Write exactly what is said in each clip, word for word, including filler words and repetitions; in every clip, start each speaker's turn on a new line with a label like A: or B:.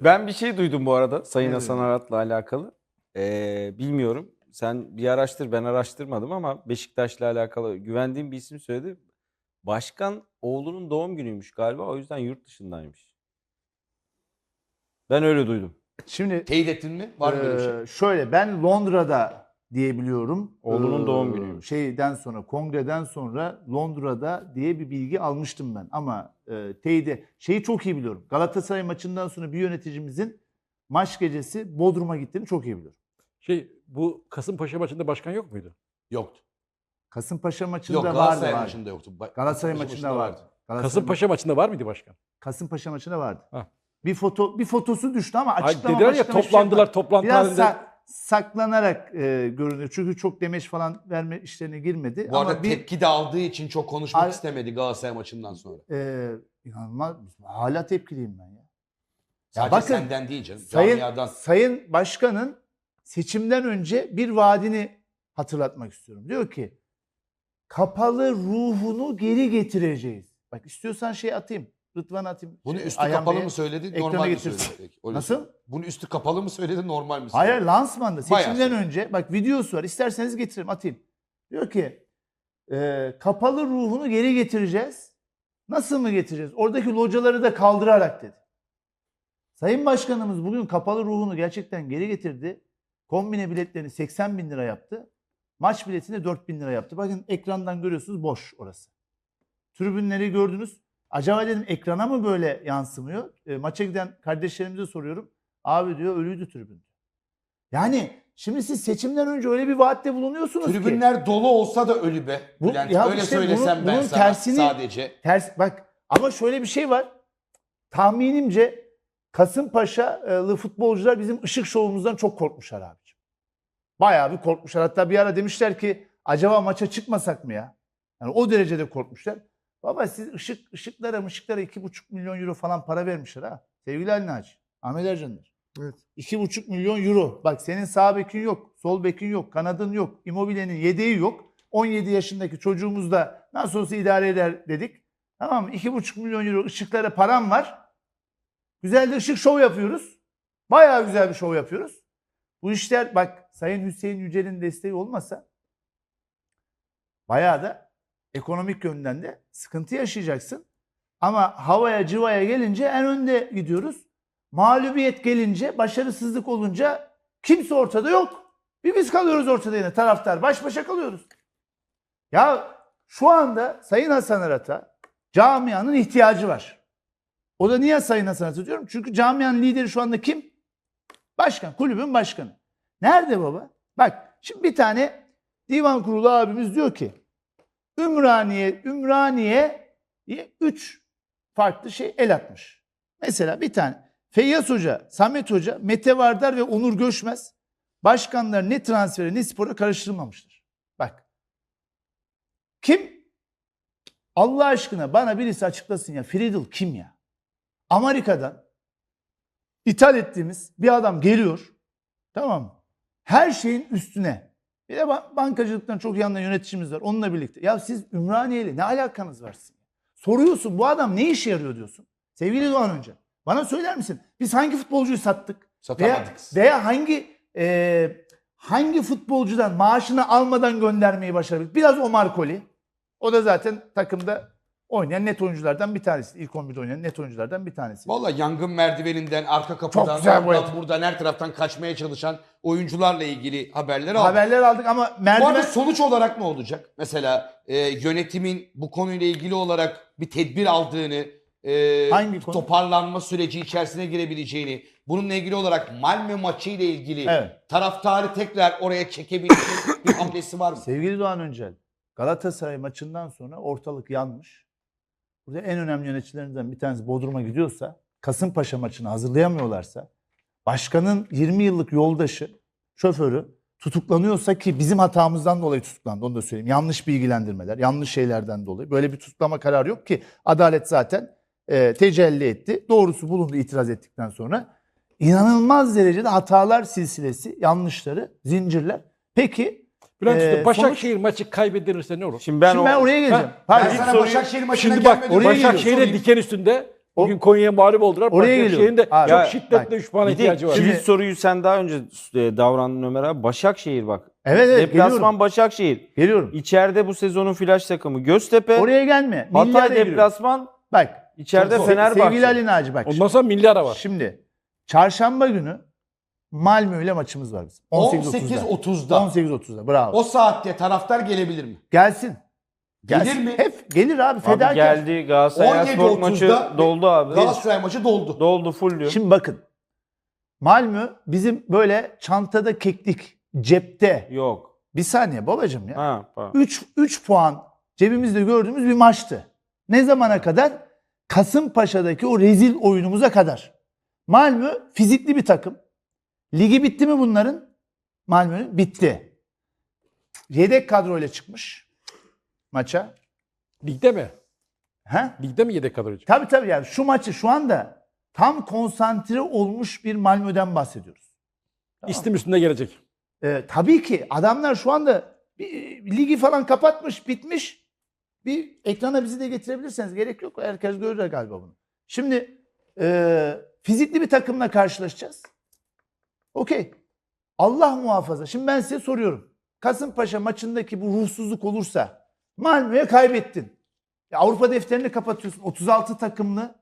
A: Ben bir şey duydum bu arada Sayın
B: Ne
A: Hasan
B: duydun?
A: Arat'la alakalı. Ee, bilmiyorum. Sen bir araştır, ben araştırmadım ama Beşiktaş'la alakalı güvendiğim bir isim söyledi. Başkan oğlunun doğum günüymüş galiba. O yüzden yurt dışındaymış. Ben öyle duydum.
B: Şimdi
C: Teyit ettin mi? Var mı böyle bir şey?
B: e, şöyle ben Londra'da diyebiliyorum.
A: Oğlunun
B: Ee,
A: doğum günüymüş.
B: Şeyden sonra, kongreden sonra Londra'da diye bir bilgi almıştım ben. Ama e, teyide şeyi çok iyi biliyorum. Galatasaray maçından sonra bir yöneticimizin maç gecesi Bodrum'a gittiğini çok iyi biliyorum.
D: Şey bu Kasımpaşa maçında başkan yok muydu?
C: Yoktu.
B: Kasımpaşa maçında
C: Yok
B: vardı.
C: Galatasaray
B: vardı.
C: maçında yoktu. Ba-
B: Galatasaray
C: Kasımpaşa
B: maçında vardı. Galatasaray
D: Kasımpaşa maçında var mıydı başkan?
B: Kasımpaşa maçında vardı.
D: Ha.
B: Bir foto bir fotosu düştü ama
D: Hayır,
B: açıklama
D: dediler ya
B: açıklama hiçbir şey
D: toplandılar
B: yapmadı.
D: toplantı
B: Biraz
D: halinde.
B: sa- saklanarak e, görünüyor. Çünkü çok demeç falan verme işlerine girmedi.
C: Bu arada
B: ama bir
C: tepki de aldığı için çok konuşmak
B: Ar-
C: istemedi Galatasaray maçından sonra.
B: e, inanılmaz hala tepkiliyim ben ya.
C: Sadece
B: bakın,
C: senden değil canım.
B: Sayın
C: Camiadan.
B: Sayın Başkan'ın seçimden önce bir vaadini hatırlatmak istiyorum. Diyor ki kapalı ruhunu geri getireceğiz. Bak istiyorsan şey atayım. Rıdvan atayım.
C: Bunu
B: Şey,
C: üstü
B: Ayhan
C: kapalı
B: Bey'e.
C: mı söyledi,
B: ekrana
C: normal mi
B: getirsin.
C: söyledi? Peki, öyle
B: Nasıl?
C: söyle. Bunu üstü kapalı mı söyledi, normal mi söyledi?
B: Hayır lansmanda
C: Bayağı
B: seçimden
C: sonra.
B: önce bak videosu var. İsterseniz getiririm atayım. Diyor ki e, kapalı ruhunu geri getireceğiz. Nasıl mı getireceğiz? Oradaki locaları da kaldırarak dedi. Sayın Başkanımız bugün kapalı ruhunu gerçekten geri getirdi. Kombine biletlerini seksen bin lira yaptı. Maç biletini dört bin lira yaptı. Bakın ekrandan görüyorsunuz boş orası. Tribünleri gördünüz. Acaba dedim ekrana mı böyle yansımıyor? E, maça giden kardeşlerimize soruyorum. Abi diyor ölüydü tribün. Yani şimdi siz seçimden önce öyle bir vaatte bulunuyorsunuz ki.
C: Tribünler dolu olsa da ölü be.
B: Bu-
C: Bülent,
B: ya
C: öyle
B: işte
C: söylesem
B: bunun-
C: ben
B: bunun
C: sana
B: tersini-
C: sadece.
B: Ters bak ama şöyle bir şey var. Tahminimce Kasımpaşalı futbolcular bizim ışık şovumuzdan çok korkmuşlar abiciğim. Bayağı bir korkmuşlar. Hatta bir ara demişler ki acaba maça çıkmasak mı ya? Yani o derecede korkmuşlar. Baba siz ışık ışıklara ışıklara iki buçuk milyon euro falan para vermişler ha. Sevgili Ali Naci, Ahmet Ercanlar.
E: Evet.
B: iki buçuk milyon euro. Bak senin sağ bekin yok, sol bekin yok, kanadın yok, Immobile'nin yedeği yok. on yedi yaşındaki çocuğumuz da nasıl olsa idare eder dedik. Tamam mı? iki buçuk milyon euro ışıklara param var. Güzel de ışık şov yapıyoruz. Bayağı güzel bir şov yapıyoruz. Bu işler bak Sayın Hüseyin Yücel'in desteği olmasa bayağı da ekonomik yönden de sıkıntı yaşayacaksın. Ama havaya cıvaya gelince en önde gidiyoruz. Mağlubiyet gelince, başarısızlık olunca kimse ortada yok. Bir biz kalıyoruz ortada yine taraftar. Baş başa kalıyoruz. Ya şu anda Sayın Hasan Arat'a camianın ihtiyacı var. O da niye Sayın Hasan Arat diyorum? Çünkü camianın lideri şu anda kim? Başkan, kulübün başkanı. Nerede baba? Bak şimdi bir tane divan kurulu abimiz diyor ki Ümraniye, Ümraniye üç farklı şey el atmış. Mesela bir tane Feyyaz Hoca, Samet Hoca, Mete Vardar ve Onur Göçmez başkanlar ne transfere ne spora karıştırmamışlar. Bak. Kim? Allah aşkına bana birisi açıklasın ya. Friedel kim ya? Amerika'dan ithal ettiğimiz bir adam geliyor. Tamam mı? Her şeyin üstüne. Bir de ban- bankacılıktan çok iyi anlayan yöneticimiz var. Onunla birlikte. Ya siz Ümraniye'yle ne alakanız var sizin? Soruyorsun bu adam ne işe yarıyor diyorsun. Sevgili Doğan Önce. Bana söyler misin? Biz hangi futbolcuyu sattık? Veya,
C: Satamadık.
B: veya hangi e, hangi futbolcudan maaşını almadan göndermeyi başarabildik? Biraz Omar Koli. O da zaten takımda oynayan net oyunculardan bir tanesi. İlk on birde oynayan net oyunculardan bir tanesi.
C: Vallahi yangın merdiveninden, arka kapıdan,
B: güzel bu
C: oradan,
B: et.
C: buradan, her taraftan kaçmaya çalışan oyuncularla ilgili haberler aldık.
B: Haberler aldık ama
C: Bu
B: merdiven...
C: arada sonuç olarak ne olacak? Mesela e, yönetimin bu konuyla ilgili olarak bir tedbir aldığını, e,
B: Hangi konu?
C: toparlanma süreci içerisine girebileceğini, bununla ilgili olarak Malmö maçı ile ilgili
B: Evet.
C: taraftarı tekrar oraya çekebilecek bir hamlesi var mı?
B: Sevgili Doğan Öncel, Galatasaray maçından sonra ortalık yanmış. Burada en önemli yöneticilerinden bir tanesi Bodrum'a gidiyorsa, Kasımpaşa maçını hazırlayamıyorlarsa, başkanın yirmi yıllık yoldaşı, şoförü tutuklanıyorsa ki bizim hatamızdan dolayı tutuklandı onu da söyleyeyim. Yanlış bilgilendirmeler, yanlış şeylerden dolayı. Böyle bir tutuklama kararı yok ki adalet zaten e, tecelli etti. Doğrusu bulundu itiraz ettikten sonra. İnanılmaz derecede hatalar silsilesi, yanlışları, zincirler. Peki
D: Bülent
B: Ee,
D: Usta, Başakşehir maçı kaybedilirse ne olur?
A: Şimdi ben,
B: şimdi ben
A: o...
B: oraya geleceğim.
D: Ha,
B: Pardon.
C: Ben sana
A: soruyu-
C: Başakşehir maçına
D: Şimdi bak
C: gelmedim.
B: oraya
C: Başakşehir'e
D: Başakşehir'e
C: sorayım.
D: diken üstünde
B: O-
D: Bugün Konya'ya mağlup oldular.
B: Oraya
D: Başakşehir'in de
B: geliyorum. Abi,
D: çok
A: ya,
D: şiddetle
B: bak,
D: üç puana
A: Bir de
D: ihtiyacı var.
A: kilit
B: Şimdi-
A: soruyu sen daha önce e, davrandın Ömer abi. Başakşehir bak.
B: Evet evet
A: Deplasman
B: geliyorum.
A: Başakşehir.
B: Geliyorum.
A: İçeride bu sezonun flash takımı Göztepe.
B: Oraya gelme. Milli
A: Hatay
B: araya giriyorum.
A: deplasman.
B: Bak.
A: İçeride
B: se-
A: Fenerbahçe.
B: Sevgili Ali Naci bak.
D: Ondan sonra milli ara var.
B: Şimdi çarşamba günü Malmö ile maçımız var bizim.
C: on sekiz
B: on sekiz otuzda.
C: otuzda.
B: on sekiz otuzda. Bravo.
C: O saatte taraftar gelebilir mi?
B: Gelsin. Gelsin.
C: Gelir mi?
B: Hep gelir abi.
A: Abi
B: Fedakar.
A: geldi Galatasaray
C: on yedi
A: Spor maçı
C: otuzda
A: doldu abi.
C: Galatasaray maçı doldu.
A: Doldu full diyor.
B: Şimdi bakın. Malmö bizim böyle çantada keklik, cepte.
A: Yok.
B: Bir saniye babacığım ya.
A: Ha, pardon.
B: üç üç puan cebimizde gördüğümüz bir maçtı. Ne zamana kadar? Kasımpaşa'daki o rezil oyunumuza kadar. Malmö fizikli bir takım. Ligi bitti mi bunların? Malmö'nün bitti. Yedek kadroyla çıkmış maça.
D: Ligde mi?
B: He?
D: Ligde mi yedek kadrocu?
B: Tabii tabii yani şu maçı şu anda tam konsantre olmuş bir Malmö'den bahsediyoruz. Tamam.
D: İstim üstünde gelecek.
B: Ee, tabii ki adamlar şu anda bir, ligi falan kapatmış, bitmiş. Bir ekrana bizi de getirebilirseniz gerek yok. Herkes görür galiba bunu. Şimdi e, fizikli bir takımla karşılaşacağız. Okey. Allah muhafaza. Şimdi ben size soruyorum. Kasımpaşa maçındaki bu ruhsuzluk olursa Malmö'ye kaybettin. Ya Avrupa defterini kapatıyorsun. otuz altı takımlı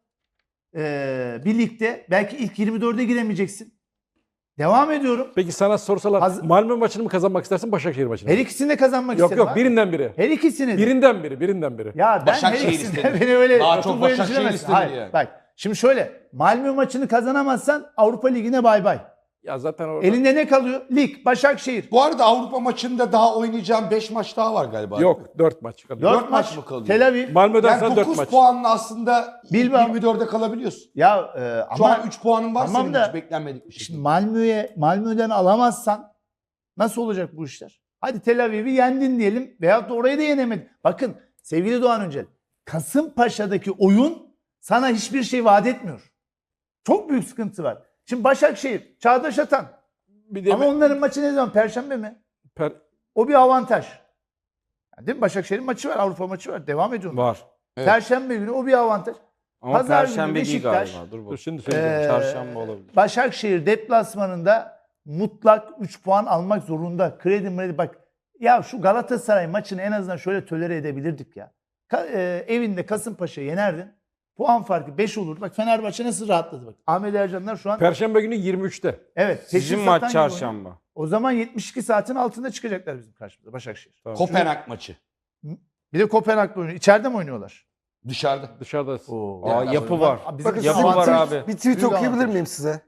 B: e, bir ligde belki ilk yirmi dörde giremeyeceksin. Devam ediyorum.
D: Peki sana sorsalar
B: Hazır-
D: Malmö maçını mı kazanmak istersin Başakşehir maçını mı?
B: Her ikisini de kazanmak
D: Yok
B: isterim
D: yok
B: abi.
D: birinden biri.
B: Her ikisini de.
D: Birinden biri, birinden biri.
B: Ya ben
C: Başakşehir
B: her ikisinden
C: istedim.
B: beni öyle
C: Daha çok
B: oturup böyle
C: Başakşehir
B: düşünemezsin.
C: istedim
B: Hayır,
C: yani.
B: bak şimdi şöyle Malmö maçını kazanamazsan Avrupa Ligi'ne bay bay.
D: Ya zaten orada
B: Elinde ne kalıyor? Lig, Başakşehir.
C: Bu arada Avrupa maçında daha oynayacağım beş maç daha var galiba.
D: yok dört maç kalıyor.
B: Dört
C: Dört
B: maç,
C: maç mı kalıyor?
B: Tel Aviv.
D: Malmö'den
C: Yani
D: sonra dört
C: dokuz
D: maç.
C: puanla aslında
B: Bilbao.
C: yirmi dörde kalabiliyorsun.
B: Ya e,
C: Şu
B: ama
C: an üç puanın var
B: tamam
C: senin
B: da-
C: hiç beklenmedik bir
B: şimdi
C: şekilde.
B: Malmö'ye Malmö'den alamazsan nasıl olacak bu işler? Hadi Tel Aviv'i yendin diyelim veyahut da orayı da yenemedin. Bakın sevgili Doğan Öncel, Kasımpaşa'daki oyun sana hiçbir şey vaat etmiyor. Çok büyük sıkıntı var. Şimdi Başakşehir, Çağdaş Atan.
D: Bir de
B: Ama onların maçı ne zaman? Perşembe mi?
D: per-
B: O bir avantaj. Yani değil mi? Başakşehir'in maçı var, Avrupa maçı var. Devam ediyor.
A: Var.
C: Evet.
B: Perşembe günü o bir avantaj.
A: Ama
B: Pazar günü
A: Perşembe değil
B: Beşiktaş,
A: galiba. Dur
D: dur
A: bakayım.
D: şimdi söyleyeceğim.
B: Ee,
A: Çarşamba olabilir.
B: Başakşehir deplasmanında mutlak üç puan almak zorunda. Kredi mredi bak. Ya şu Galatasaray maçını en azından şöyle tolere edebilirdik ya. Ka- e, evinde Kasımpaşa'yı yenerdin. Puan farkı beş olur. Bak Fenerbahçe nasıl rahatladı bak. Ahmet Ercanlar şu an
D: Perşembe günü yirmi üçte.
B: evet.
A: Sizin
B: seçim
A: maç
B: satan gibi oynuyor.
A: çarşamba.
B: O zaman yetmiş iki saatin altında çıkacaklar bizim karşımıza Başakşehir.
A: Tamam.
C: Kopenhag maçı.
B: Bir de Kopenhag'da oynuyor. İçeride mi oynuyorlar?
C: Dışarıda.
D: Dışarıda.
B: Oo.
A: Aa,
C: Yani
A: yapı var.
B: Abi bizim
E: Bakın
A: Yapı
E: size bir
A: var
B: avantaj-
A: abi.
E: Bir tweet
B: Büyük
E: okuyabilir
B: avantaj.
E: miyim size?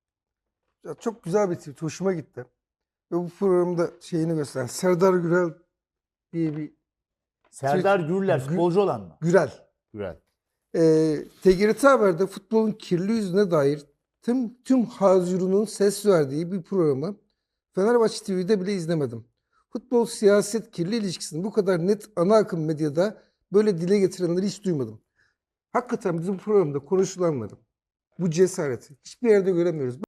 E: Ya çok güzel bir tweet. Hoşuma gitti. Ve bu programda şeyini gösteren Serdar Gürel diye bir
B: Serdar Gürler
E: Gü-
B: futbolcu olan mı?
E: Gürel.
B: Gürel.
E: Ee, T G R T Haber'de futbolun kirli yüzüne dair tüm tüm hazırının ses verdiği bir programı Fenerbahçe T V'de bile izlemedim. Futbol siyaset kirli ilişkisini bu kadar net ana akım medyada böyle dile getirenleri hiç duymadım. Hakikaten bizim programda konuşulanları, bu cesareti hiçbir yerde göremiyoruz.